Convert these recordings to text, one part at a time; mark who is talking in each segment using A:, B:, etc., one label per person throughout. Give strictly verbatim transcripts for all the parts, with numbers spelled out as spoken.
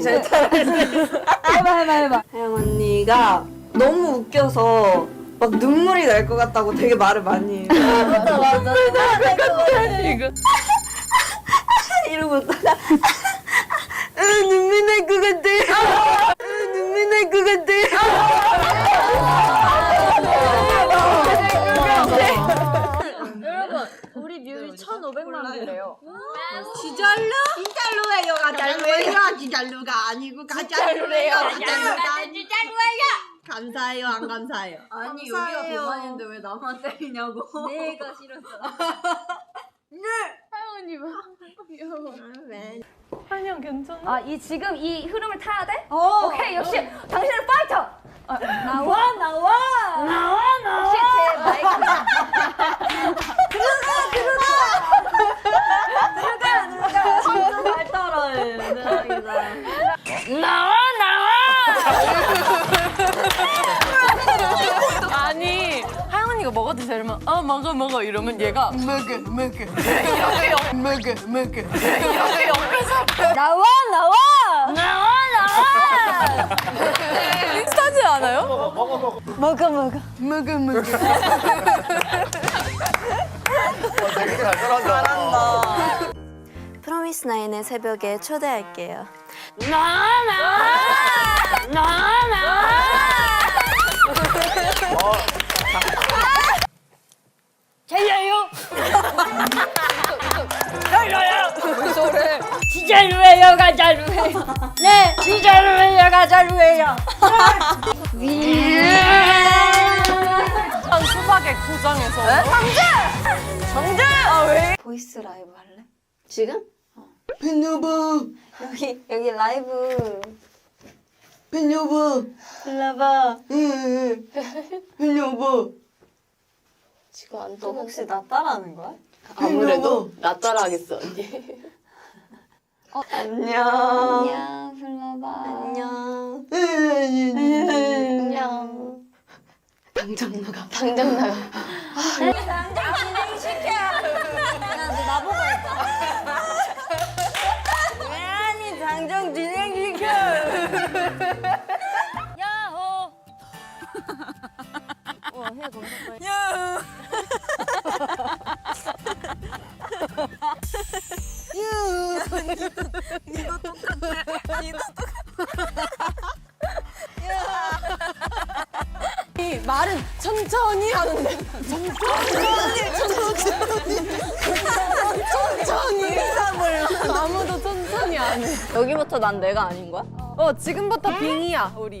A: 잘 따라할 수 있어.
B: 해봐 해봐 해봐.
A: 하영 언니가 너무 웃겨서 막 눈물이 날 것 같다고 되게 말을 많이 해요.
B: 맞아 맞아. 눈물 날것 같아.
C: 이거
A: 이러고 있다가 으, 눈물 날 것 같아. 으, 눈물 날 것 같아.
B: 여러분 우리 뮤비 천오백만 뷰래요.
D: 진짜로? 진짜로예요, 가짜로예요. 진짜로가 아니고 가짜로예요. 가짜로가 진짜로예요. 감사해요, 안 감사해요?
B: 아니
D: 감사해요.
B: 여기가 대만인데 왜 나만 때리냐고. 내가 싫었어.
C: 하영 언니 봐. 귀여워.
D: 왜?
C: 한영 괜찮아?
B: 아 이 지금 이 흐름을 타야 돼?
D: 어.
B: 오케이 역시 당신은 파이터. 어, 나와 나와 나와 나와. 역시 제 마이크. 들어가 들어가 들어가. 잘 따라해.
C: 나와 나와. 아니 하영 언니가 먹어도 되면 어 먹어 먹어 이러면 얘가 먹어 먹어 이렇게 옆 먹어 먹어 이렇게 옆에서
B: 나와 나와
C: 나와 나와. 비슷하지 않아요?
B: 먹어 먹어
C: 먹어 먹어.
E: 되게 잘 따라한다.
A: 프로미스 나인의 새벽에 초대할게요.
C: 나와 나와 나와 나와. 잘려요. 잘려요. 소리. 진짜로예요, 가짜로예요. 네, 진짜로예요, 가짜로예요. 수박의 고장에서. 정재. 아 왜?
A: 보이스 라이브 할래?
D: 지금?
A: 팬 여보. 여기 여기 라이브. 팬 여보. 일로 와봐. 응. 팬 여보.
D: 지금 안
A: 너 혹시 나 따라하는 거야?
D: 아무래도 나 따라하겠어, 언니.
A: 안녕.
B: 안녕 불러봐.
A: 안녕.
B: 안녕.
D: 당장 나가. 당장 나가.
B: 야너 나보고 했다.
A: 왜 아니 당장 진행시켜.
B: 야호. 와해 검색할.
A: 야. 니도 똑같아. 니도
C: 이 말은 천천히 하는데 천천히 천천히 아무도 천천히 안 해.
B: 여기부터 난 내가 아닌 거야?
C: 어 지금부터 빙이야 우리.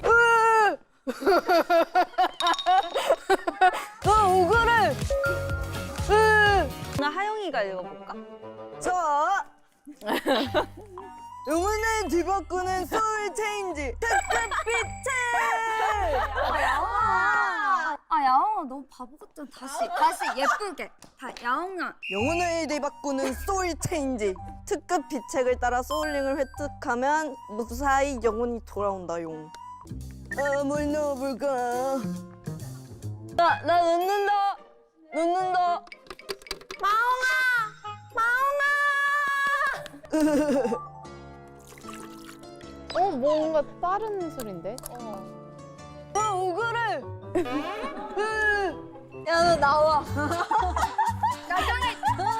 A: 너 오그를.
B: 나 하영이가 읽어볼까?
A: 자. 영혼을 뒤바꾸는 소울 체인지. 특급빛을.
B: 아 야옹아. 아 야옹아 너무 바보 같잖아. 다시 다시 예쁘게. 다 야옹아.
A: 영혼을 뒤바꾸는 소울 체인지. 특급 비책을 따라 소울링을 획득하면 무사히 영혼이 돌아온다용. 아, 뭘 넣어볼까? 나, 나 넣는다. 넣는다.
C: 어 뭔가 다른 소린데?
A: 아, 오그를.
B: 야 너 나와. 야경이.